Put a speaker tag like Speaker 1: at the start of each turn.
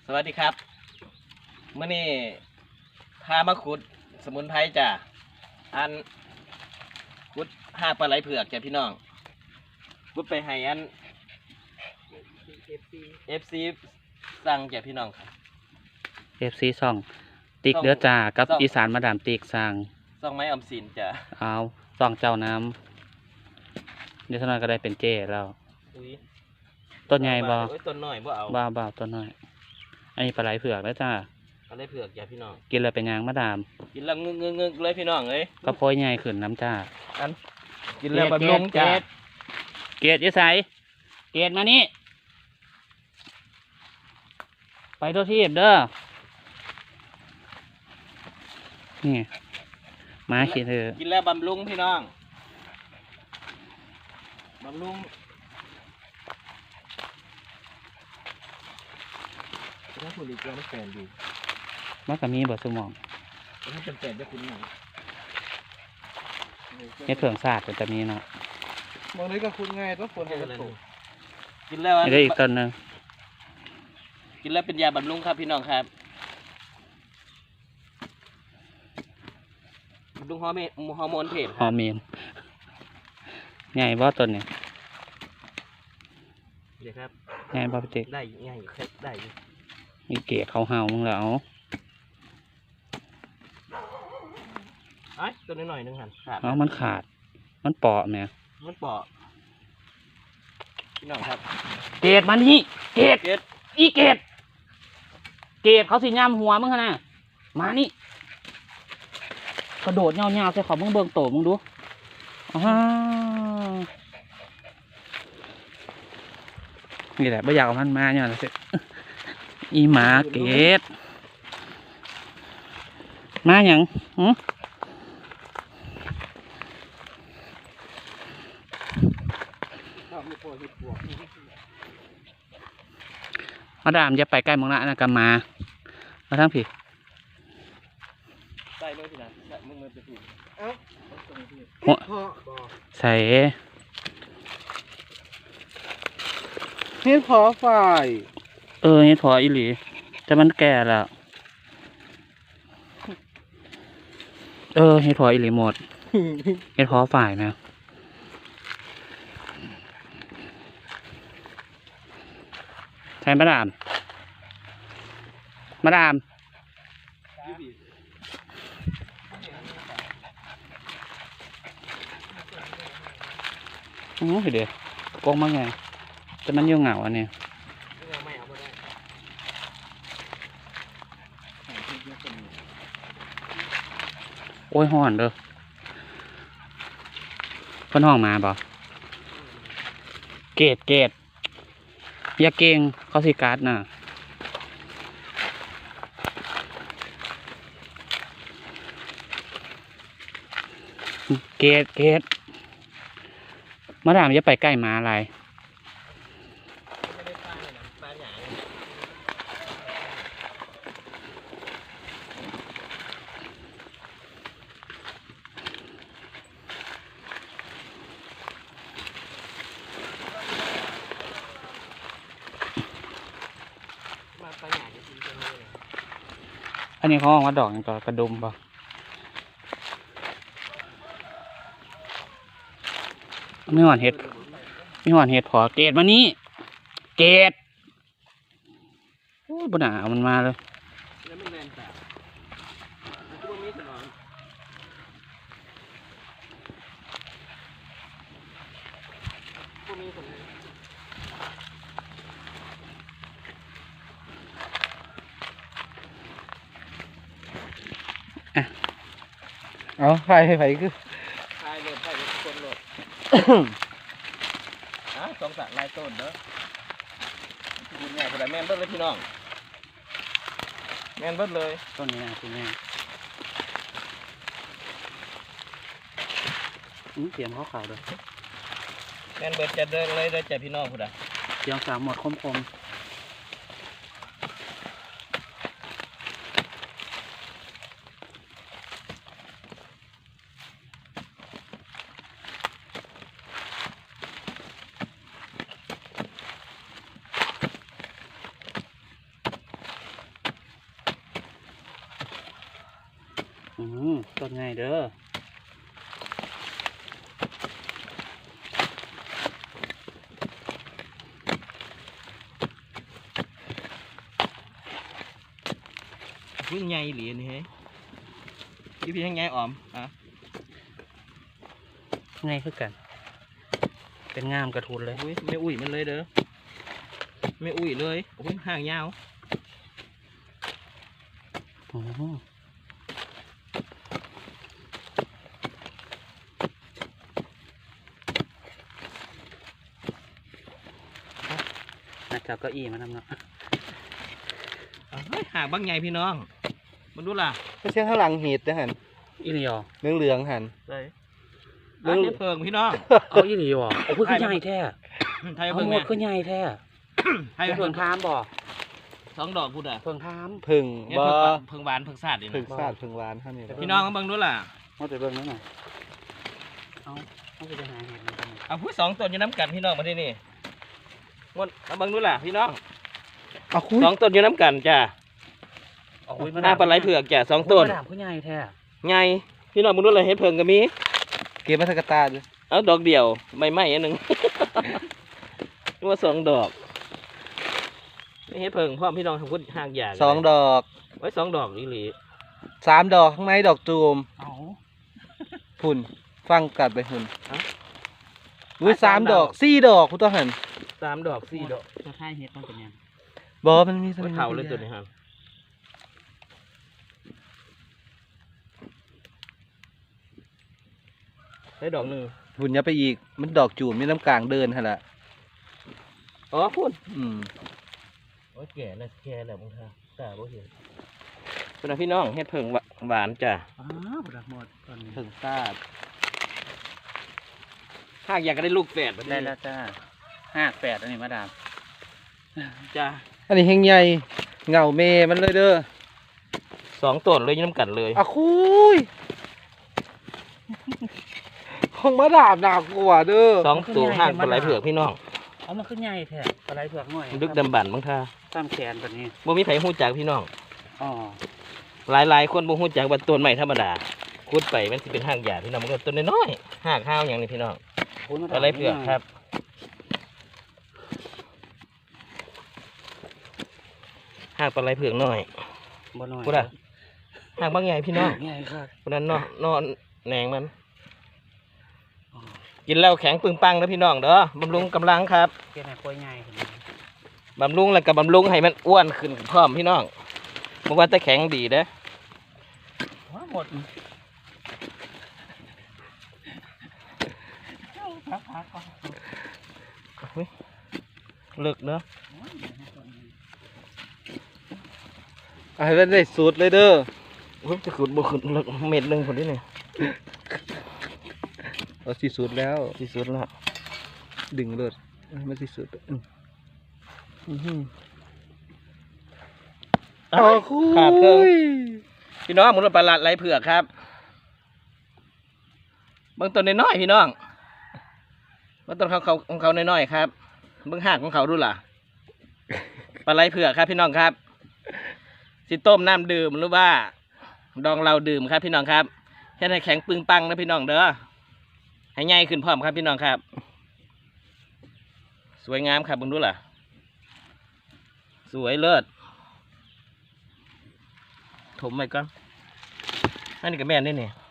Speaker 1: สวัสดีครับเมื่อนี้พามาขุดสมุนไพรจ้ะอันขุดห้าปลาไหลเผือกจ้ะพี่น้องขุดไปให้อัน FC สั่งจ้ะพี่น้องครับ
Speaker 2: FC ซ่องติ๊กเด้อจ้ากับ
Speaker 1: ซ่อง
Speaker 2: อีสานมาดามติ๊กสั่ง
Speaker 1: ส่องไม้ออมสินจ้ะ
Speaker 2: เอาซ่องเจ้าน้ำเดี๋ยวเท่านั้นก็ได้เป็นเจ้แล้ว
Speaker 1: อุ้ย
Speaker 2: ต้นใหญ่บ่
Speaker 1: โอ้ยต้นน้อยบ่เอา
Speaker 2: บ้าต้นน้อยอันนี้ปลาไหลเผือกแล้วจ้า
Speaker 1: ปลาไหลเผือกจ้ะพี่น้อง
Speaker 2: กินเลยเป็นหยังมาดาม
Speaker 1: กินแล้วงึกเลยพี่น้องเอ้ย
Speaker 2: ก็โพยใหญ่ขึ้นน้ำจ้า
Speaker 1: อันกินแล้วบำรุงจ้ะ
Speaker 2: เกดยี่ไสเกดมานี่ไปตัวที่เด้อนี่มาขี้เธอ
Speaker 1: กินแล้วบำรุงพี่น้องบำรุงถ้าคุณดีกว่าไม่แฟนดี
Speaker 2: มันก็มีเบอร์สมอง
Speaker 1: ถ้าจำเป็นจะคุณหน่อย
Speaker 2: เฮ็ดเผืองศาสตร์จะมีเนาะ
Speaker 3: มองนี้ก็คุณไงต้องฝนให้กระตุก
Speaker 1: กินแล้ว
Speaker 2: นี่ได้อีกต้นหนึง
Speaker 1: กินแล้วเป็นยาบำรุงครับพี่น้องครับบำรุงฮอร์โมนเพศ
Speaker 2: ฮอร์เมนใหญ่บ่ต้นเนี่ย
Speaker 1: เดี๋ยวครับ
Speaker 2: ใหญ่บ่พี่ติ๊ก
Speaker 1: ได้ง่ายครับได้อยู่
Speaker 2: มีเกดเขาเห่ามึงแล้ว
Speaker 1: ไอ้ตัวน้อยๆนึงหันขาด
Speaker 2: เอามันขาด มันเปาะแม่
Speaker 1: มันเปาะพี่น้องครับ
Speaker 2: เกดมานี่เกด
Speaker 1: เก็ด
Speaker 2: อีเกดเกดเขาสิย่ำหัวมึงขนาดมานี่กระโดดเงาๆใส่เขามึงเบิ่งโตมึงดูอ้าวนี่แหละไม่อยากเอามันมาเนี่ยนะสิอีหมาเกดมาหยังหือมาดามอย่าไปใกล้มึงละนะกำมาทั้งผี
Speaker 1: ใส่เลยพี่นะใส่มึงไปถูก
Speaker 3: เพาะบ่
Speaker 2: ใส่
Speaker 3: เฮ็ดเพาะฝ่าย
Speaker 2: เฮ็ดพออีหลีแต่มันแก่แล้วเฮ็ดพออีหลีหมดเฮ็ดพอฝ่ายนะใช่มาดามโอ้ยเดี๋ยวโกงมากไงแต่มันอยู่เหงาอันนี้โอ้ยห่อนเด้อเพิ่นห้องมาบ่เกดอย่าเก่งเขาสิการ์ดน่ะเกดมาดามอย่าไปใกล้หมาอะไรอันนี้เขาออกมาดอกอย่างต่อกระดุมป่ะไม่หวานเห็ดพอเกดมานี่เกดโอ้ยบนหนามันมาเลย
Speaker 1: แล้วมันแรงแต่มันก็มีถนนก็มีถนน
Speaker 3: เอาไผ่คือ
Speaker 1: ทายเลยทายเลยคนโหลดสองสักลายต้นเด้อคุณใหญ่ขนาดแม่นเบิดเลยพี่น้องแม่นเบิดเลย
Speaker 2: ต้นนี้นะคุณแม่เตรียมข้าวขาวเลย
Speaker 1: แม่นเบิดจะเดินเลยเด้อจ้ะพี่น้องพุ่นอ่ะ
Speaker 2: เตรียมสามหมดคมต้นไงเด้อ
Speaker 1: พึ่งใหญ่เหรียญนี่เฮ้ยพี่ยังไงออมอ่ะ
Speaker 2: ไงคือกัน เป็นงามกระทุนเลย
Speaker 1: อุ้ยไม่อุ้ยมันเลยเด้อไม่อุ้ยเลยโอ้ยห่างยาว
Speaker 2: อืมน่าจะเอาเก้าอี้มาทำเนาะ
Speaker 1: เฮ้ยห่างบางใหญ่พี่น้องมันดูล่ะ
Speaker 3: ไม่ใช่ข้างหลังเห็ดนะหัน
Speaker 2: อีหลีอ๋อ
Speaker 3: เหลืองๆหัน
Speaker 1: เลย
Speaker 3: เรื่
Speaker 1: เรื่
Speaker 3: อ
Speaker 1: อง งเพิงพี่น้อง
Speaker 2: เอาอีหลีอ๋อโอ้คือใหญ่แท้
Speaker 1: ไทย
Speaker 2: เอา
Speaker 1: เพิง
Speaker 2: หม
Speaker 1: เนี่
Speaker 2: ด
Speaker 1: ย
Speaker 2: คือใหญ่แท้
Speaker 1: ไทย
Speaker 2: เพิ่
Speaker 1: เพิ
Speaker 2: ง
Speaker 1: ง
Speaker 2: ทามบ่
Speaker 1: สองดอกพูดอ่ะ
Speaker 2: เพิ่งทาม
Speaker 3: พึ่ง
Speaker 1: เนี่ย
Speaker 3: บ่
Speaker 1: เพิงหวานเพิงสาดดิ
Speaker 3: พึ่งซาดพึ่งหวานเท่านี้
Speaker 1: พี่น้องเบิ่งดูล่ะ
Speaker 2: เอาแต่เบิ่งนั่นน่ะเอาไปหาเห็ดมันกัน
Speaker 1: เอาพูดสองต้นอยู่น้ำกันพี่น้องมาที่นี่งดเอาเบิ่งดูล่ะพี่น้อง
Speaker 3: เอาคุย
Speaker 1: สองต้นอยู่น้ำกันจ้า
Speaker 2: โอ้ย
Speaker 1: หน้าปลาไหลเผือกจ้ะสองต้น
Speaker 2: มะนาวคือใหญ่แท้
Speaker 1: ไงพี่น้องมึงดูเลยเฮ็ดเพิงก็มี
Speaker 3: เก็บมาสักกะตาเลย
Speaker 1: เอาดอกเดียวไม่ไหม้อันหนึ่ง นึกว่าสองดอกไม่เฮ็ดเพิงพร้อมพี่น้องทำพุทธหากอย่าง
Speaker 3: สองดอก
Speaker 1: ไว้สองดอกอีหลี
Speaker 3: 3 ดอกข้างในดอกจูม
Speaker 2: เอา
Speaker 3: หุ่นฟังกัดไปหุ่นอุ้ย3 ดอก4 ดอกคุณต้องหัน
Speaker 1: สามดอกสี่ดอก
Speaker 2: จะค่ายเห็ดมันเป็นยัง
Speaker 3: บอมันมี
Speaker 1: ไว้เผาเลยตัวนี้ครับได้ดอกหนึ่ง
Speaker 3: หุ่นอย่าไปอีกมันดอกจูมมีน้ำกลางเดินฮะละ
Speaker 1: อ๋อพูด
Speaker 3: อืม
Speaker 1: โอ้ยแก่แล้วแก่แล้วมึงท่าตาบ่เห็นเป็นไงพี่น้องเฮ็ดเพิงหวานจ้ะ
Speaker 2: อ้าวบดหมดตอนนี้
Speaker 3: พึ่งซาด
Speaker 1: หากอยากจะได้ลูกแฝดแบบ
Speaker 2: ได้
Speaker 1: นี้
Speaker 2: แล้วจ้า58อันนี้มาดาม
Speaker 1: จ้ะ
Speaker 3: อันนี้เฮงใหญ่เงาเมมันเลยเด้อ
Speaker 1: สองต้นเลยอยืนน้ำกันเลย
Speaker 3: อะคุยของมาดาบหนักกว่าเด้อ
Speaker 1: สองตัวห้างปลาไหลเผือกพี่น้อง
Speaker 2: เอามันขึ้นใหญ่แท้ปลาไหลเผือกหน่อย
Speaker 1: ดึกดำบรรพ์บางท่า
Speaker 2: ตามแขนแบบนี้
Speaker 1: บ่มีไผฮู้จักพี่น้อง
Speaker 2: อ๋อ
Speaker 1: หลายคนบ่ฮู้จักว่าต้นไม้ธรรมดาขุดไปมันสิเป็นห้างหญ้าพี่น้องมันก็ต้นน้อยๆหากห้าวอย่างนี้พี่น้องปลาไหลเผือกครับหากปลาไหลเผือกน้อย
Speaker 2: บ่น้อย
Speaker 1: พูดอะหากบางใหญ่พี่น้อง
Speaker 2: ใหญ่ครับ
Speaker 1: คนนั้นนอนแหนงมัน กินแล้วแข็งปึงปังนะพี่น้องเด้อบำรุงกำลังครับ
Speaker 2: เกี่ยวกับกล้วยใหญ่เห็นไหม
Speaker 1: บำรุงแล้วก็บำรุงให้มันอ้วนขึ้นพร้อมพี่น้องบ่ว่าแต่แข็งดีเด้อ
Speaker 2: ว้าหมดพักๆก่อน
Speaker 1: เฮ้ยเลิกเนาะ
Speaker 3: เอาให้มันได้สูตรเลยเด้อ
Speaker 1: เฮ้ยจะขุดบ่ขุดเลิกเม็ดหนึงคนนี้นี่
Speaker 3: เอาสิสูตรแล้ว
Speaker 1: ที่สุดแล้ว
Speaker 3: ดึงเลยมันสิสูตรอ๋อคุย
Speaker 1: ขาดเครื่องพี่น้องหมุนปลาหลัดไหลเผือกครับเบื้องต้นน้อยๆพี่น้องเบื้องต้นของเขาน้อยๆครับเบื้องหากของเขาดูล่ะปลาไหลเผือกครับพี่น้องครับสิต้มน้ำดื่มหรือว่าดองเราดื่มครับพี่น้องครับให้แข็งปึงปังนะพี่น้องเด้อให้ใหญ่ขึ้นพร้อมครับพี่น้องครับ สวยงามครับเบิ่งดูล่ะสวยเลิศถมไปก่อนอันนี้ก็แม่นได้เนี่ย